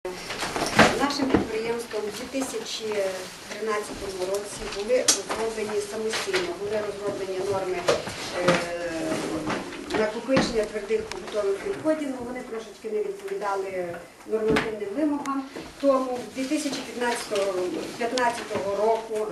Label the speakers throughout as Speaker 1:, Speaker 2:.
Speaker 1: Нашим підприємством у 2013 році були розроблені самостійно, норми накопичення твердих побутових відходів, але вони трошечки не відповідали нормативним вимогам. Тому 2015 року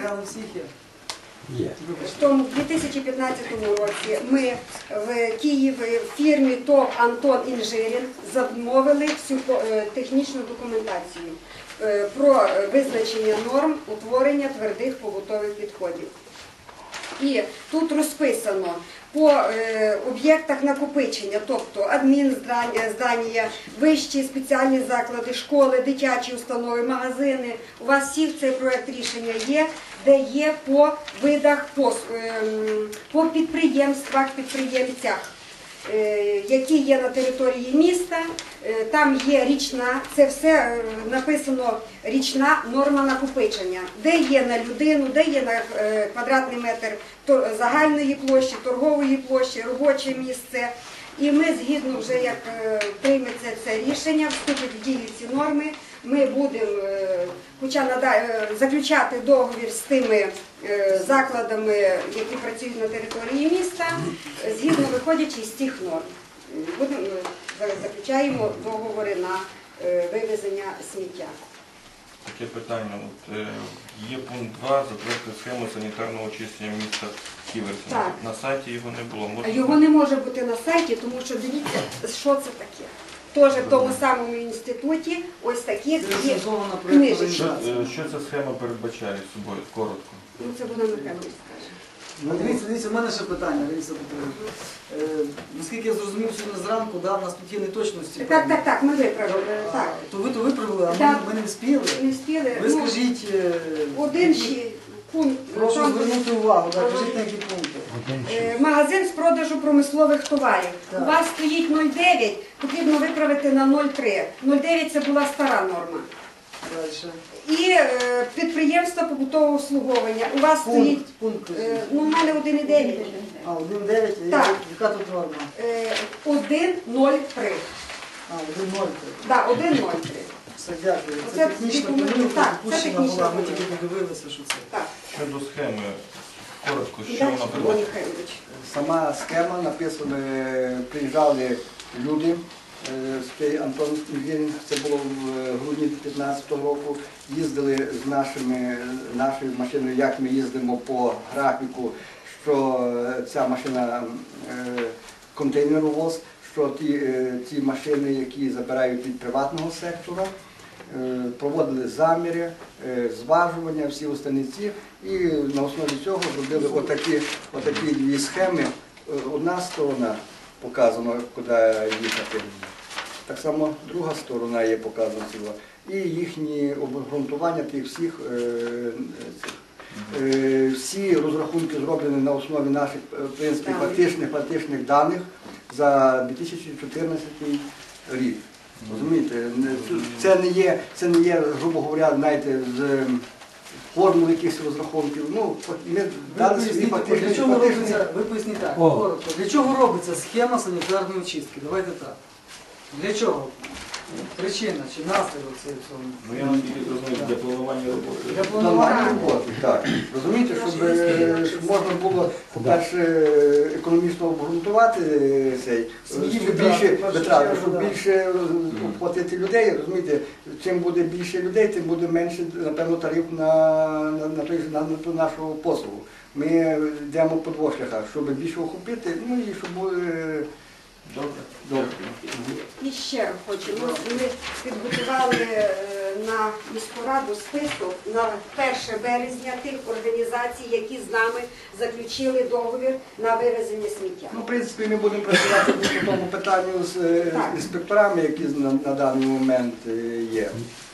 Speaker 1: в 2015 році ми в Києві в фірмі ТОВ «Антон Інжирін» замовили всю технічну документацію про визначення норм утворення твердих побутових відходів. І тут розписано по об'єктах накопичення, тобто адмінздання, вищі спеціальні заклади, школи, дитячі установи, магазини. У вас всіх цей проєкт рішення є, де є по видах, по підприємствах, підприємцях, які є на території міста. Там є річна, це все написано річна норма накопичення, де є на людину, де є на квадратний метр загальної площі, торгової площі, робоче місце. І ми згідно вже, як прийметься це рішення, вступить в дію ці норми, ми будемо заключати договір з тими закладами, які працюють на території міста, згідно виходячи з цих норм. Заключаємо договори на вивезення сміття.
Speaker 2: Таке питання. Є пункт 2, затвердити схему санітарного очищення міста Ківерця. На сайті його не було.
Speaker 1: Його не може бути на сайті, тому що дивіться, що це таке. Теж в тому самому інституті ось такі є книжечки.
Speaker 2: Що ця схема передбачає собою? Коротко.
Speaker 1: Ну, це вона Михайлович скаже.
Speaker 3: Дивіться, в мене ще питання. Наскільки я зрозумів, сьогодні зранку, у нас тут є неточності.
Speaker 1: Так, ми виправили.
Speaker 3: То ви виправили, а ми не встигли?
Speaker 1: Не встигли.
Speaker 3: Ви скажіть,
Speaker 1: один ще пункт.
Speaker 3: прошу звернути увагу, кажіть на які пункти.
Speaker 1: Магазин з продажу промислових товарів. У вас стоїть 0,9, потрібно виправити на 0,3. 0,9 це була стара норма.
Speaker 3: Дальше.
Speaker 1: І підприємство побутового обслуговування. У вас стоїть, у мене 1,9.
Speaker 3: А, 1,9, яка тут норма?
Speaker 1: 1,03.
Speaker 3: А, 1,03.
Speaker 1: Так, 1,03.
Speaker 3: Все, дякую. Це технічна помилка, допущена була, ми тільки подивилися, що це.
Speaker 2: Щодо схеми, коротко, що вона передбачає?
Speaker 4: Сама схема написана, приїжджали люди, з Антон Інжирін, це було в грудні 2015 року, їздили з нашою машиною, як ми їздимо по графіку, що ця машина контейнеровоз, що ті машини, які забирають від приватного сектора, проводили заміри, зважування, всі останниці, і на основі цього зробили отакі дві схеми. Одна сторона показано, куди їхати. Так само друга сторона є показана, і їхні обґрунтування тих всіх. Всі розрахунки зроблені на основі наших, в принципі, фактичних даних за 2014 рік. Розумієте, це не є, грубо говоря, знаєте, з формул якихось розрахунків. Ну, ми дали свої фактичні.
Speaker 3: Ви поясніть так, коротко. Для чого робиться схема санітарної очистки? Давайте так. Для чого? Причина чи наслідок цієї всього?
Speaker 2: Ну, я наскільки розумію, для планування роботи.
Speaker 3: Для планування роботи.
Speaker 4: Так. Розумієте, щоб можна було, по-перше, економічно обґрунтувати цей, щоб більше витрати, щоб більше оплатити людей. Розумієте, чим буде більше людей, тим буде менше, напевно, тариф на ту нашу послугу. Ми йдемо по двох шляхах, щоб більше охопити, ну і щоб...
Speaker 2: Добре.
Speaker 1: І ще хочемо. Ми підготували на міську раду список на 1 березня тих організацій, які з нами заключили договір на вивезення сміття.
Speaker 4: Ну, в принципі, ми будемо працювати по тому питанню з інспекторами, які на даний момент є.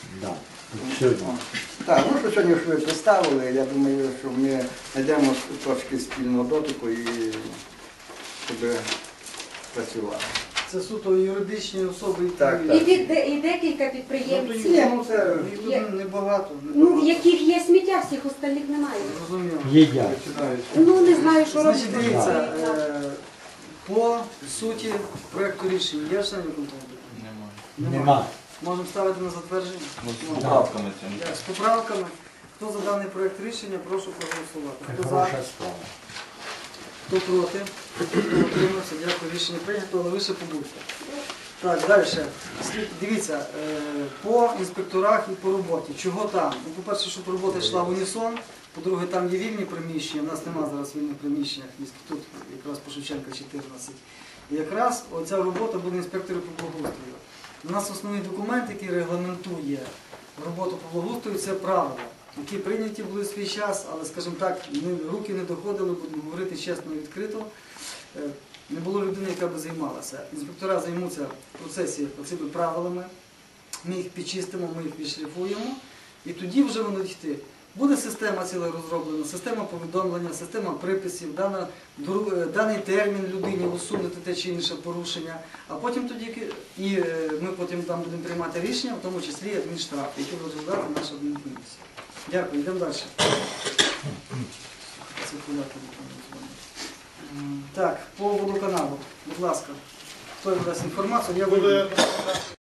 Speaker 4: Так, ну що сьогодні ви представили, я думаю, що ми знайдемо трошки спільного дотику і щоб працювати.
Speaker 3: Це суто юридичні особи.
Speaker 4: Так.
Speaker 1: І декілька підприємців.
Speaker 4: Їх
Speaker 3: небагато.
Speaker 1: Ну, в яких є сміття, всіх остальних немає.
Speaker 3: Розуміло.
Speaker 1: Ну, не знаю, що робити.
Speaker 3: Значить, дивіться, по суті проєкту рішення є члени виконкому?
Speaker 2: Немає.
Speaker 5: Нема.
Speaker 3: Можемо ставити на затвердження?
Speaker 2: Ну, з поправками цим.
Speaker 3: Так, з поправками. Хто за даний проект рішення, прошу проголосувати. Хто за? Хто проти? Хто утримався? Дякую, рішення прийнято, але ви ще побудьте. Так, далі. Дивіться, по інспекторах і по роботі. Чого там? Ну, по-перше, щоб робота йшла в унісон. По-друге, там є вільні приміщення. У нас немає зараз вільних приміщень. Тут якраз по Шевченка 14. І якраз оця робота буде інспекторів по благоустрою. У нас основний документ, який регламентує роботу по благоустрою, це правила, які прийняті були в свій час, але, скажімо так, руки не доходили, будемо говорити чесно і відкрито. Не було людини, яка би займалася. Інспектора займуться в процесі оцими правилами, ми їх підчистимо, ми їх відшліфуємо, і тоді вже воно йти. Буде система ціла розроблена, система повідомлення, система приписів, даний термін людині усунути те чи інше порушення, а потім тоді ми потім там будемо приймати рішення, в тому числі адмінштраф, який буде розглядати наша адмінкомісія. Дякую, йдемо далі. Так, по водоканалу, будь ласка, хто дасть інформацію, я виведу.